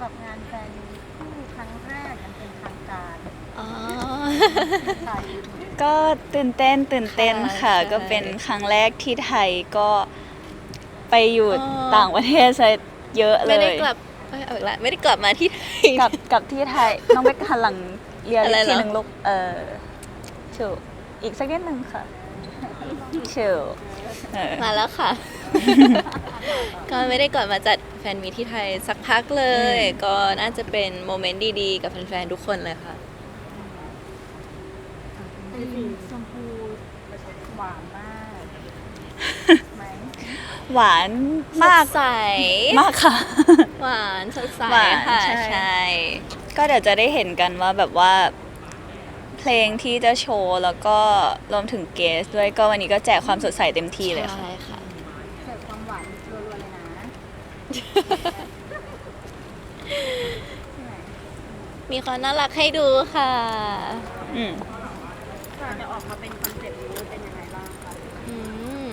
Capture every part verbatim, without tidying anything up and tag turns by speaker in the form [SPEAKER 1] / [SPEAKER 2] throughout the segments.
[SPEAKER 1] กับงานแฟนมีตคู่ครั้งแรกยังเป็นทางการ
[SPEAKER 2] อ๋อ
[SPEAKER 1] ไทย
[SPEAKER 3] ก็ตื่นเต้นตื่นเต้น
[SPEAKER 2] ค่ะ
[SPEAKER 3] ค่ะ
[SPEAKER 2] ใช่
[SPEAKER 3] ก็เป็นครั้งแรกที่ไทยก็ไปอยู่
[SPEAKER 2] อ๋อ
[SPEAKER 3] ต่างประเทศซะเยอะเล
[SPEAKER 2] ไม่
[SPEAKER 3] ย
[SPEAKER 2] ได้กลับเอ้ยเอาอีกแล้วไม่ได้กลับมาที่ไทย
[SPEAKER 3] กับกับที่ไทย น้องไปหันหลังเรียน
[SPEAKER 2] อะไร
[SPEAKER 3] อีกที
[SPEAKER 2] เหรอ
[SPEAKER 3] หนึ่งลูกเออชิวอีกสักนิดหนึ่งค่ะชิวเออ
[SPEAKER 2] มาแล้วค่ะ ก็ไม่ได้กลับมาจัดแฟนมีตที่ไทยสักพักเลย
[SPEAKER 3] อืม
[SPEAKER 2] ก็น่าจะเป็นโมเมนต์ดีๆ กับแฟนๆ ทุกคนเลยค่ะ
[SPEAKER 1] เป็นสีชมพูหวานมากไหม
[SPEAKER 3] หวานมาก
[SPEAKER 2] สดใส
[SPEAKER 3] มากค่ะ
[SPEAKER 2] หวานสดใส
[SPEAKER 3] หวาน
[SPEAKER 2] ค่ะ
[SPEAKER 3] ใช่
[SPEAKER 2] ใช่
[SPEAKER 3] ก็เดี๋ยวจะได้เห็นกันว่าแบบว่า เพลงที่จะโชว์แล้วก็รวมถึงเกสด้วยก็วันนี้ก็แจกความสดใสเต็มที่เลยค่ะ
[SPEAKER 2] ใช่ค่ะ
[SPEAKER 1] เสิร์ฟความหวานรัวๆเลยนะใช่ไหม
[SPEAKER 2] มีความน่ารักให้ดูค่ะ
[SPEAKER 3] อืม
[SPEAKER 1] ก่อนจะออกมาเป็นคอนเซ็ปต์นี้เป็นยังไงบ้างคะ
[SPEAKER 2] อืม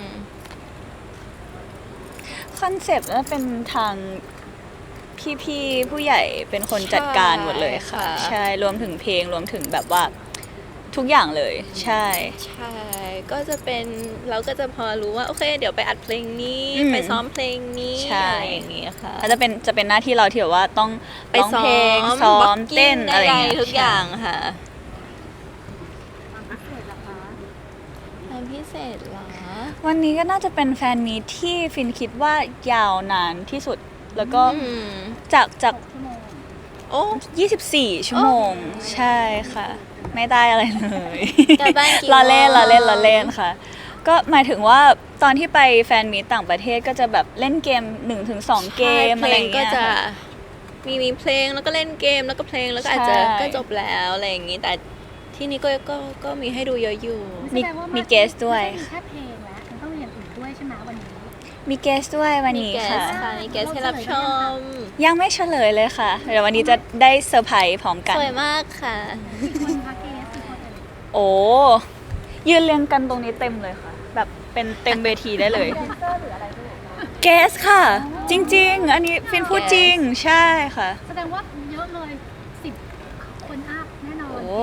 [SPEAKER 3] คอนเซปต์น่าเป็นทางพี่ๆผู้ใหญ่เป็นคนจัดการหมดเลยค่ะ
[SPEAKER 2] ใช่ค่ะ
[SPEAKER 3] ใช่รวมถึงเพลงรวมถึงแบบว่าทุกอย่างเลย ใช่
[SPEAKER 2] ใช่ ก็จะเป็นเราก็จะพอรู้ว่า โอเค เดี๋ยวไปอัดเพลงนี้
[SPEAKER 3] อืม
[SPEAKER 2] ไปซ้อมเพลงนี้
[SPEAKER 3] ใช่
[SPEAKER 2] อะไรอย่างนี้ค่ะ
[SPEAKER 3] อาจจะเป็นจะเป็นหน้าที่เราที่แบบว่าต้อง
[SPEAKER 2] ไป
[SPEAKER 3] ร้อง
[SPEAKER 2] ซ้อ
[SPEAKER 3] เพลง
[SPEAKER 2] ม
[SPEAKER 3] ซ้อม
[SPEAKER 2] blocking
[SPEAKER 3] เต้นอะไรอย่างเงี้ย
[SPEAKER 2] ใดๆทุกอย่างค่ะ
[SPEAKER 1] ความพิเศษล่ะคะ
[SPEAKER 2] ทำพิเศษเหรอ
[SPEAKER 3] วันนี้ก็น่าจะเป็นแฟนมีตที่ฟินคิดว่ายาวนานที่สุด แล้วก็
[SPEAKER 2] อืม
[SPEAKER 3] จากจาก
[SPEAKER 1] ชั่วโมง
[SPEAKER 2] โอ้
[SPEAKER 3] ยี่สิบสี่ ชั่วโมง ใช่ค่ะ ไม่ได้อะไรเลย
[SPEAKER 2] กลับบ้านกี่
[SPEAKER 3] ล้อเล่น
[SPEAKER 2] โมง
[SPEAKER 3] ล้อเล่นล้อเล่นค่ะ ก็หมายถึงว่าตอนที่ไปแฟนมีตต่างประเทศก็จะแบบเล่นเกม หนึ่งถึงสอง เกม
[SPEAKER 2] เพ
[SPEAKER 3] อะ
[SPEAKER 2] ล
[SPEAKER 3] ไรง อย่าง
[SPEAKER 2] ก็
[SPEAKER 3] เงี้ย
[SPEAKER 2] จะ
[SPEAKER 3] ค่ะ
[SPEAKER 2] มีมีเพลงแล้วก็เล่นเกมแล้วก็เพลงแล้วก็อาจจะ
[SPEAKER 3] ใช่
[SPEAKER 2] ก็จบแล้วอะไรอย่างนี้ แต่ที่นี่ก็ก็ก็มีให้ดูเยอะอยู่
[SPEAKER 3] มี
[SPEAKER 1] แสดงว่า
[SPEAKER 3] มี
[SPEAKER 1] น
[SPEAKER 3] เกสด้วย
[SPEAKER 1] ไม่ใช่มีแค่เพลงแล้วมันต้องมีอย่างอื่นด้วยใช่ไหมวันนี้
[SPEAKER 3] มีเกสด้วยวัน
[SPEAKER 2] มี
[SPEAKER 3] นี้
[SPEAKER 2] แกส
[SPEAKER 3] ค่ะ
[SPEAKER 2] ค่ะมีแกสให้รับชม
[SPEAKER 3] ยังไม่เฉลยเลยค่ะ เดี๋ยววันนี้จะได้เซอร์ไพรส์พร้อมกัน
[SPEAKER 2] สวยมากค่ะ
[SPEAKER 1] กี่คนคะเกสกี่คนเอ่ย
[SPEAKER 3] โอ้ยืนเรียงกันตรงนี้เต็มเลยค่ะ แบบเป็นเต็มเวทีได้เลย
[SPEAKER 1] แดนเซอร์หรืออะไรด้วย
[SPEAKER 3] เกสค่ะ จริง ๆ อันนี้ฟินพูดจริง ใช่ค่ะ
[SPEAKER 1] แสดงว่าเยอะเลยสิบคนอัพแน่นอน
[SPEAKER 3] โอ้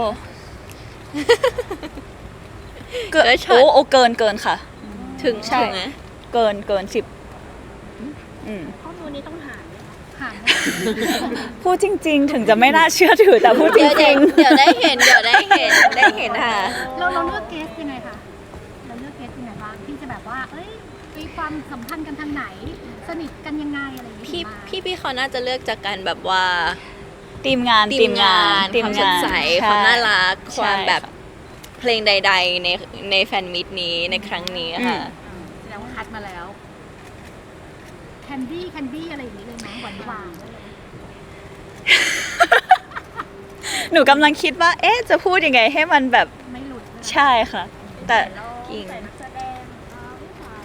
[SPEAKER 3] เกิน
[SPEAKER 2] เกินช็อต
[SPEAKER 3] โอ้โอ้เกินเกินค่ะ
[SPEAKER 2] ถึง
[SPEAKER 3] ใช่
[SPEAKER 2] ถึงไหม
[SPEAKER 3] เกินเกินสิบอืม
[SPEAKER 1] ข้อมูลนี้ต้องหารหาร
[SPEAKER 3] พูดจริง ๆ ถึงจะไม่น่าเชื่อถือแต่พูดจ
[SPEAKER 2] เดี๋ยว
[SPEAKER 3] ริง
[SPEAKER 2] เดี๋ยวได้เห็นเดี๋ยวได้เห็นได้เห็นค่ะ
[SPEAKER 1] เราเราเลือกเกสยังไงคะเราเลือกเกสยังไงบ้างที่จะแบบว่า เอ้ยมีความสัมพันธ์กันทางไหน สนิทกันยังไงอะไรอย่างเงี้ย
[SPEAKER 2] พี่
[SPEAKER 1] มา
[SPEAKER 2] พี่พี่เขาน่าจะเลือกจากการแบบว่า
[SPEAKER 3] ๆทีมงาน
[SPEAKER 2] ทีมงาน
[SPEAKER 3] ที
[SPEAKER 2] ความ
[SPEAKER 3] ง
[SPEAKER 2] สดใส
[SPEAKER 3] ใช่
[SPEAKER 2] ความน่ารัก
[SPEAKER 3] ใช่
[SPEAKER 2] ความแบบ
[SPEAKER 3] ค่ะ
[SPEAKER 2] เพลงใด ๆ ในในแฟนมิตนี้ในครั้งนี้ค่ะ
[SPEAKER 1] อืมแสดงว่าคัดมาแล้วแคนดี้แคนดี้อะไรอย่างนี้เลยไหมหวานหวานๆเลย
[SPEAKER 3] หนูกำลังคิดว่า เอ๊ะ จะพูดยังไงให้มันแบบ
[SPEAKER 1] ไม่หลุด
[SPEAKER 3] ใช่ค่ะ แต่
[SPEAKER 2] จริง
[SPEAKER 1] ใส่นักแสดงอ่าผู้ชาย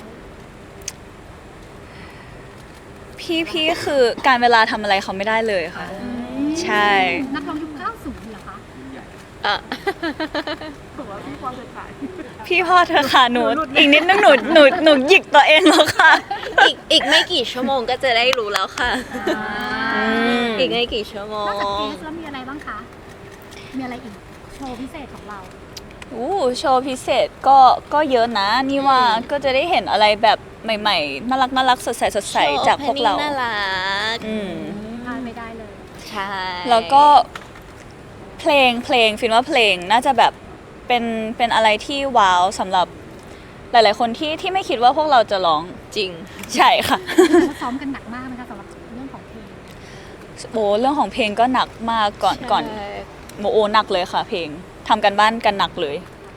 [SPEAKER 3] พี่พี่คือการเวลาทำอะไรเขาไม่ได้เลยค่ะ ใช่
[SPEAKER 1] นักร้องยุคเก้าสิบเหรอคะ
[SPEAKER 2] อ่ะ
[SPEAKER 1] ถือว่าพี่ความสดใส
[SPEAKER 3] พี่พ่อเธอค่ะหนู อีกนิดนึงหนูหนูหนูหยิกตัวเองแล้วค่ะ
[SPEAKER 2] อีกอีกไม่กี่ชั่วโมงก็จะได้รู้แล้วค่ะ
[SPEAKER 3] อืม
[SPEAKER 2] อีกไม่กี่ชั่วโม
[SPEAKER 1] นอกจาก
[SPEAKER 2] ง
[SPEAKER 1] เกสแล้วมีอะไรบ้างคะ มีอะไรอีก โชว์พิเศษของเรา
[SPEAKER 3] อู้โชว์พิเศษก็ก็เยอะนะ นี่ว่า
[SPEAKER 2] อืม
[SPEAKER 3] ก็จะได้เห็นอะไรแบบใหม่ๆ น่ารักน่ารักสดใสสดใสจากพวกเรา
[SPEAKER 2] โชว์ opening น่ารัก
[SPEAKER 3] อืม
[SPEAKER 1] พลาดไม่ได้เลย
[SPEAKER 2] ใช่
[SPEAKER 3] แล้วก็เพลงเพลงฟินว่าเพลงน่าจะแบบเป็นเป็นอะไรที่ว้าวสำหรับหลาย ๆ คนที่ที่ไม่คิดว่าพวกเราจะร้อง
[SPEAKER 2] จริง
[SPEAKER 3] ใช่ค่ะ
[SPEAKER 1] เขาซ้อมกันหนักมากไหมคะสำหรับเรื่องของเพลง
[SPEAKER 3] โอ้เรื่องของเพลงก็หนักมากก่อนก่อน
[SPEAKER 2] ใช่
[SPEAKER 3] โมโอหนักเลยค่ะ เพลงทำกันบ้านกันหนักเลย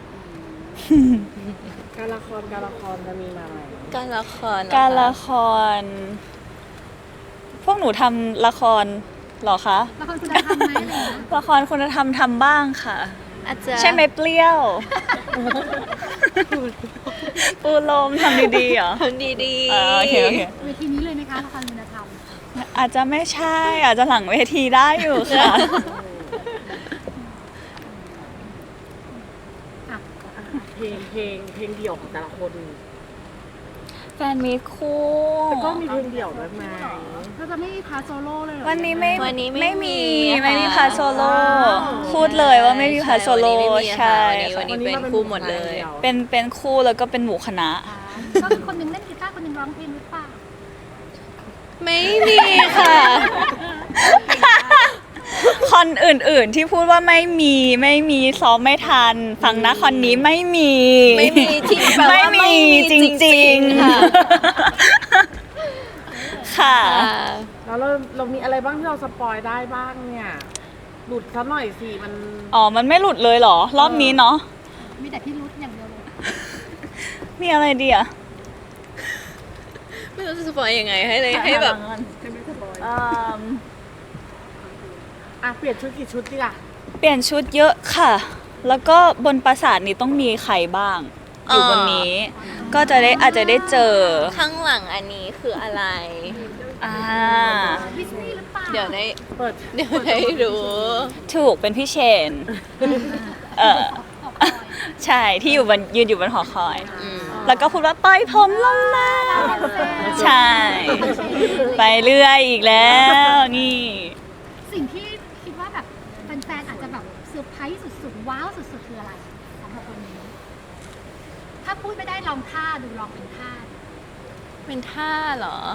[SPEAKER 4] การละครการละครจะมีมาไหม
[SPEAKER 2] การละครเหอ
[SPEAKER 3] การ
[SPEAKER 2] ค
[SPEAKER 3] ละคร พวกหนูทำละครเหรอคะ
[SPEAKER 1] ละครคุณธรรมไหมอะไรอย่างเงี้ย
[SPEAKER 3] ละครคุณธรรมทำบ้างค่ะ
[SPEAKER 2] อาจจะ
[SPEAKER 3] ใช่ไหมเปรี้ยว ปูลมทำดีๆเหรอ
[SPEAKER 2] ทำดี
[SPEAKER 3] อ่าโอเคโอเค
[SPEAKER 1] เวทีนี้เลยไหมคะละครคุณธรรม
[SPEAKER 3] อาจจะไม่ใช่ อาจจะหลังเวทีได้อยู่ค่ะ
[SPEAKER 1] อ่ะ
[SPEAKER 4] เพลงเพลงเพลงเดี่ยวของแต่ละคน
[SPEAKER 3] แฟนมีตคู่
[SPEAKER 4] แต่ก็มีเพลงเดี่ยวด้วยไหม
[SPEAKER 1] เราจะไม่มีพาร์ทโซโล่เลยเหรอ
[SPEAKER 3] วันนี้ไม่
[SPEAKER 2] วันนี้ไม่
[SPEAKER 3] ไม่มี
[SPEAKER 2] มี
[SPEAKER 3] ไม่มี
[SPEAKER 2] ค่ะ
[SPEAKER 3] พาร์ทโซโล่พูดเลยว่าไม่มีพาร์ทโซโล่
[SPEAKER 2] ใช่
[SPEAKER 3] ใช่
[SPEAKER 2] วันนี้ไม่มีค่ะวันนี้เป็นคู่หมดเลย
[SPEAKER 3] เป็นเป็นคู่แล้วก็เป็นหมู่คณะ
[SPEAKER 1] อ่าก็คือคนหนึงเล่นกีตาร์คนหนึงร้องเพลงหรือเปล่า
[SPEAKER 2] ไม่มีค่ะ
[SPEAKER 3] คอนอื่นๆที่พูดว่าไม่มีไม่มีซ้อมไม่ทัน ฟังนะคอนนี้ไม่มี
[SPEAKER 2] ไม่มีที่แปลว่า
[SPEAKER 3] ไม่มี
[SPEAKER 2] ไม่มี
[SPEAKER 3] จ
[SPEAKER 2] จริ
[SPEAKER 3] ริง
[SPEAKER 2] งๆ
[SPEAKER 3] ๆ
[SPEAKER 2] ค่ะ
[SPEAKER 3] ค่ะ
[SPEAKER 4] แล้วเราเรามีอะไรบ้างที่เราสปอยได้บ้างเนี่ยหลุดซะหน่อยสิมัน
[SPEAKER 3] อ๋อ มันไม่หลุดเลยเหรอ รอบนี้เนาะ
[SPEAKER 1] มีแต่พี่รุ้อย่างเดียวเลย
[SPEAKER 3] มีอะไรดีอะ
[SPEAKER 2] ไม่รู้จะสปอยยังไงให้เลยให้แบบ
[SPEAKER 3] เอิ่ม
[SPEAKER 4] อ่ะเปลี่ยนชุดกี่ชุดดีล่ะ
[SPEAKER 3] เปลี่ยนชุดเยอะค่ะ แล้วก็บนปราสาทนี้ต้องมีใครบ้าง อยู่บนนี้ ก็จะได้อาจจะได้เจอ
[SPEAKER 2] ข้างหลังอันนี้คืออะไร
[SPEAKER 3] อ่า
[SPEAKER 1] ดิสนีย์หรือเปล่า
[SPEAKER 2] เดี๋ยวได้
[SPEAKER 4] เปิด
[SPEAKER 2] เดี๋ยวได้รู้
[SPEAKER 3] ถูกเป็นพี่เชน เออ
[SPEAKER 1] ขอบคุณ
[SPEAKER 3] ใช่ที่อยู่บนยืนอยู่บนหอคอย
[SPEAKER 2] อืม
[SPEAKER 3] แล้วก็พูดว่าปล่อยผมลงมา ใช่ ไปเรื่อยอีกแล้วนี่
[SPEAKER 1] สิ่งที่คิดว่าแบบแฟนๆอาจจะแบบเซอร์ไพรส์สุดๆ ว้าวสุดๆ คืออะไรสำหรับคนนี้ ถ้าพูดไม่ได้ลองท่าดูลองเป็นท่าดู
[SPEAKER 2] เป็นท่าเหรอ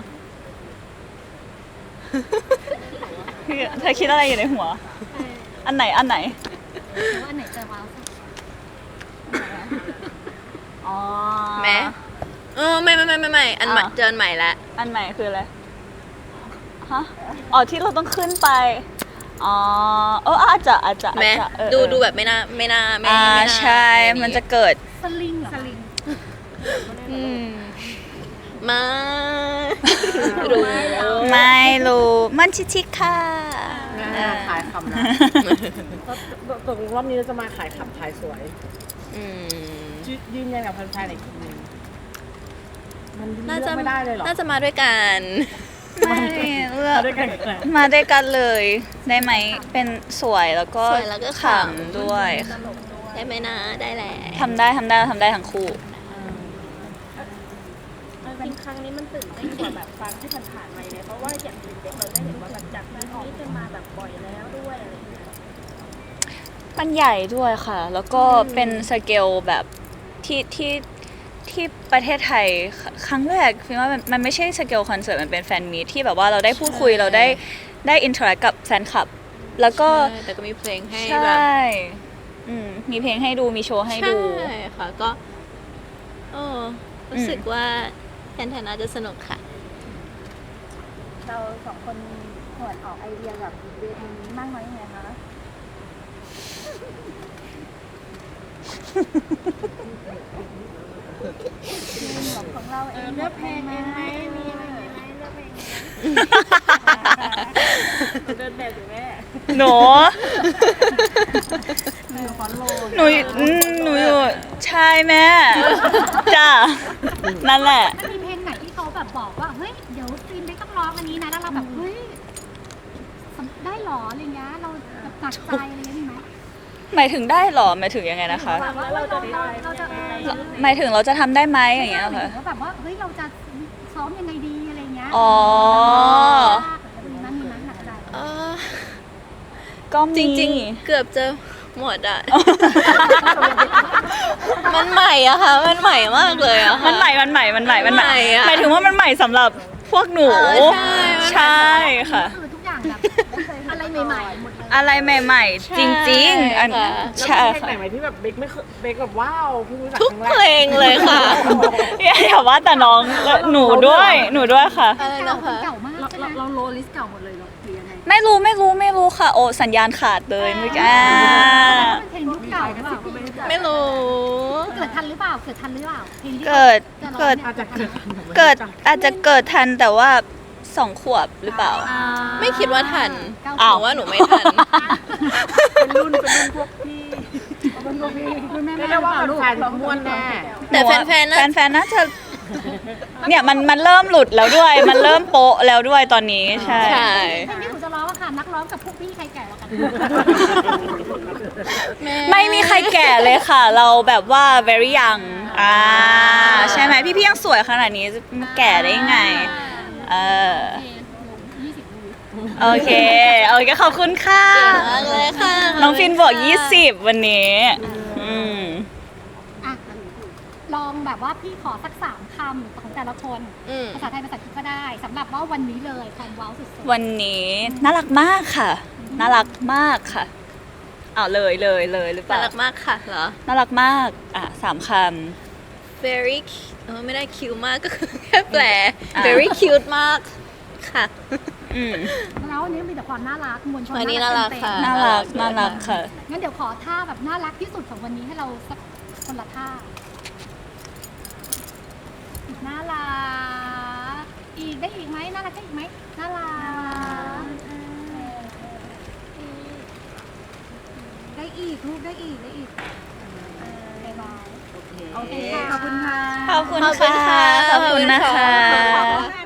[SPEAKER 3] เธอคิดอะไรอยู่ในหัว
[SPEAKER 1] เออ
[SPEAKER 3] อันไหนอันไหน
[SPEAKER 1] หรือว่าอันไหนจะว้าวสุด
[SPEAKER 3] อ๋อ
[SPEAKER 2] แม้เออไม่ไม่ไม่ไม่ไม่อันใหม่
[SPEAKER 3] อ่ะ
[SPEAKER 2] เจออันใหม่แล้ว
[SPEAKER 3] อันใหม่คืออะไร ฮะ อ๋อที่เราต้องขึ้นไป อ๋อ เอออาจจะอาจจะ
[SPEAKER 2] แม้
[SPEAKER 3] อาจจะเออ
[SPEAKER 2] ดู
[SPEAKER 3] เออ
[SPEAKER 2] ดูแบบไม่น่าไม่น่าไม่
[SPEAKER 3] อ่า
[SPEAKER 2] ไม่น่า
[SPEAKER 3] ใช่ มันจะเกิด
[SPEAKER 1] สลิงเหรอสลิง
[SPEAKER 2] อืมมารู้
[SPEAKER 3] ไม่รู้ มันชิชิค่ะ
[SPEAKER 4] อ่าขายคำนะตกลงรอบนี้เราจะมาขายคำขายสวย
[SPEAKER 2] อืม
[SPEAKER 4] ยืยืนยันกับแฟนๆอีกทีนึงมัน
[SPEAKER 2] น่า
[SPEAKER 4] เลื
[SPEAKER 2] จะ
[SPEAKER 4] อกไม่ได้เลยเหรอ
[SPEAKER 2] น่าจะมาด้วยกัน
[SPEAKER 3] ไม่เลือก
[SPEAKER 4] มาด้วยกันแหละ
[SPEAKER 3] มาด้วยกันเลย ได้ไหม เป็นสวยแล้วก็
[SPEAKER 2] สวยแล้วก็ขำ
[SPEAKER 3] ขำด้วยค่ะ
[SPEAKER 2] ได้ไหมนะได้แหละ
[SPEAKER 3] ทำได้ทำได้ทำได้ทั้งคู่
[SPEAKER 5] จริงครั้งนี้มันตื่นเต้นกว่าแบบครั้งที่ผ่านๆมาเลยเพราะว่าอย่างเด็กๆเราได้เห็นว่าแบบจากนั้นนี้จะมาแบบบ่อยแล้วด้วยอะไรอย่างเงี้ย
[SPEAKER 3] มันใหญ่ด้วยค่ะ แล้วก็เป็นสเกลแบบที่ที่ที่ประเทศไทยคครั้งแรกคิดว่ามันมันไม่ใช่สเกลคอนเสิร์ตมันเป็นแฟนมีตที่แบบว่าเราได้พูดคุย
[SPEAKER 2] ใช่
[SPEAKER 3] เราได้ได้อินเทอร์แอคกับแฟนคลับ แล้วก็
[SPEAKER 2] ใช่แต่ก็มีเพลงให้
[SPEAKER 3] ใช
[SPEAKER 2] แบบ
[SPEAKER 3] ่อืมมีเพลงให้ดูมีโชว์ให้ดู
[SPEAKER 2] ใช่ค่ะก็โอ้รู้สึกว่าแฟนๆน่าจะสนุกค่ะ
[SPEAKER 1] เราสองคนหวดออกไอเดียแบบเวทีนี้มากน้อยยังไงคะของเราเองเลือกเพลงเองไหมมีอะไรไหมเลือกเพลง
[SPEAKER 5] เดินแบบอยู่แม่
[SPEAKER 3] หนู
[SPEAKER 1] อยู่ฟอนโล
[SPEAKER 3] หนูอืมหนูอยู่ใช่แม่จ้านั่นแหละ
[SPEAKER 1] มันมีเพลงไหนที่เขาแบบบอกว่าเฮ้ยเดี๋ยวฟิล์มไม่ต้องร้องอันนี้นะแล้วเราแบบเฮ้ยได้หรออะไรเงี้ยเราแบบหนักใจอะไรเงี้ยมีไหม
[SPEAKER 3] หมายถึงได้เหรอหมายถึงยังไงนะคะ
[SPEAKER 1] แบบว่าเราจะเราเราจะ
[SPEAKER 3] หมายถึงเราจะทำได้ไหมอย่างเงี้ย
[SPEAKER 1] หรื
[SPEAKER 3] ค่ะ
[SPEAKER 1] อว่าแบบว่าเฮ้ยเราจะซ้อมยังไงดีอะไรเงี้ย
[SPEAKER 3] อ๋อ
[SPEAKER 1] มีมั้ยมีมั้ยหนักใจ
[SPEAKER 2] เออ
[SPEAKER 3] ก็มี
[SPEAKER 2] จริงๆ เกือบจะหมดอ่ะ มันใหม่อะค่ะ มันใหม่มากเลยอะค่ะ
[SPEAKER 3] มันใหม่ มันใหม่ มันใหม่ มันใหม่
[SPEAKER 2] ใหม่อะ
[SPEAKER 3] หมายถึงว่ามันใหม่สำหรับพวกหนู
[SPEAKER 2] เออใช่
[SPEAKER 3] ใช่ค่ะ
[SPEAKER 1] คือทุกอย่างแบบอะไรใหม่ๆหมดเลย
[SPEAKER 3] อะไรใหม่ ๆ จริง ๆ อัน
[SPEAKER 2] ค่ะ
[SPEAKER 4] แล้ว
[SPEAKER 3] ใช่
[SPEAKER 4] มีเพลงไหน
[SPEAKER 3] ค่ะ
[SPEAKER 4] ไหมที่แบบเบคไม่เคยเบคแบบว้าวเพิ่งรู้จัก
[SPEAKER 2] ทุก
[SPEAKER 4] ครั้งแร
[SPEAKER 2] เพล
[SPEAKER 4] ก
[SPEAKER 2] งเลยค่ะ
[SPEAKER 3] อย่าอย่าว่าแต่น้องหนูด้วย หนูด้วยค่ะ
[SPEAKER 2] อะไร
[SPEAKER 1] เก่า
[SPEAKER 2] นะคะ
[SPEAKER 1] เก่ามากใช่ไหม
[SPEAKER 5] เราโลลิสเก่าหมดเลยเหรอหรือยังไง
[SPEAKER 3] ไม่รู้ ไม่รู้ ไม่รู้ค่ะ โอ้ สัญญาณขาดเลยเมื่อกี้อ่า
[SPEAKER 1] เพลงยุคเก่าหรือเปล่า
[SPEAKER 2] ไม่รู้
[SPEAKER 1] เกิดทันหรือเปล่าเกิดทันหรือเปล่าพลงที่
[SPEAKER 3] เกิด
[SPEAKER 1] จะร้อง
[SPEAKER 3] เกิด
[SPEAKER 1] นี่ย
[SPEAKER 4] อาจจะเกิด
[SPEAKER 3] เกิด อาจจะเกิดทันแต่ว่าสองขวบหรือเปล่า
[SPEAKER 1] อ่า
[SPEAKER 2] ไม่คิดว่าทัน
[SPEAKER 1] เก้า
[SPEAKER 2] ห
[SPEAKER 3] อ้าว
[SPEAKER 2] นูว่าหนูไม่ทัน
[SPEAKER 4] เป็นรุ่นเป็นรุ่นพวกพี่เป็นพวกพี่
[SPEAKER 1] คุณแม่
[SPEAKER 4] เรี
[SPEAKER 1] แม่
[SPEAKER 4] ยกได้ว่า
[SPEAKER 1] ลูก
[SPEAKER 4] แฟนๆม้วนแน่
[SPEAKER 2] แต่แฟนๆน่ะ
[SPEAKER 3] แฟนๆน่าจะเนี่ยมันมันเริ่มหลุดแล้วด้วย มันเริ่มโป๊ะแล้วด้วยตอนนี้ใช่
[SPEAKER 2] ใช่
[SPEAKER 1] เพลงที่หนูจะร้องอะค่ะนักร้องกับพวกพี่ใครแก่กว่ากัน
[SPEAKER 3] ไม่มีใครแก่เลยค่ะ เราแบบว่า very young อ่าใช่ไหมพี่พี่ๆยังสวยขนาดนี้จะแก่ได้ยังไง เออ
[SPEAKER 1] ยี่สิบดู
[SPEAKER 3] โอเคโอเคขอบคุณค่ะ
[SPEAKER 2] เก่งมากเลยค่ะ
[SPEAKER 3] น้องฟินบอกยี่สิบวันนี้อืม
[SPEAKER 1] อ่ะลองแบบว่าพี่ขอสักสามคำของแต่ละคน
[SPEAKER 2] อืม
[SPEAKER 1] ภาษาไทยภาษาอังกฤษก็ได้สำหรับว่าวันนี้เลยความว้าวสุดๆ
[SPEAKER 3] วันนี้น่ารักมากค่ะ น่ารักมากค่ะอ้าวเลยเลยเลยหรือเป
[SPEAKER 2] น่า
[SPEAKER 3] ล่า
[SPEAKER 2] รักมากค่ะเหรอ
[SPEAKER 3] น่ารักมากอ่ะสามค
[SPEAKER 2] very cu- เออไม่ได้ cute มากก็คือแค่แปล
[SPEAKER 3] อ่ะ
[SPEAKER 2] very cute มากค่ะ
[SPEAKER 3] ำอืม
[SPEAKER 1] แล้ววันนี้มีแต่ความน่ารักมวลชน
[SPEAKER 2] วันนี้น่ารักค่ะ
[SPEAKER 3] น่ารักน่ารักค่ะ
[SPEAKER 1] งั้นเดี๋ยวขอท่าแบบน่ารักที่สุดของวันนี้ให้เราสักคนละท่าอีกน่ารักอีกได้อีกไหมน่ารักได้อีกไหมน่ารักได้อีกลูกได้อีกได้อีกบายบายโอเคค่ะขอบคุณค่ะ
[SPEAKER 3] ขอบคุณ
[SPEAKER 2] ขอบคุณ
[SPEAKER 3] ค่ะ
[SPEAKER 2] ค่ะ
[SPEAKER 3] ขอบคุณนะ
[SPEAKER 2] ขอบคุณ
[SPEAKER 3] คะ
[SPEAKER 2] ค่ะ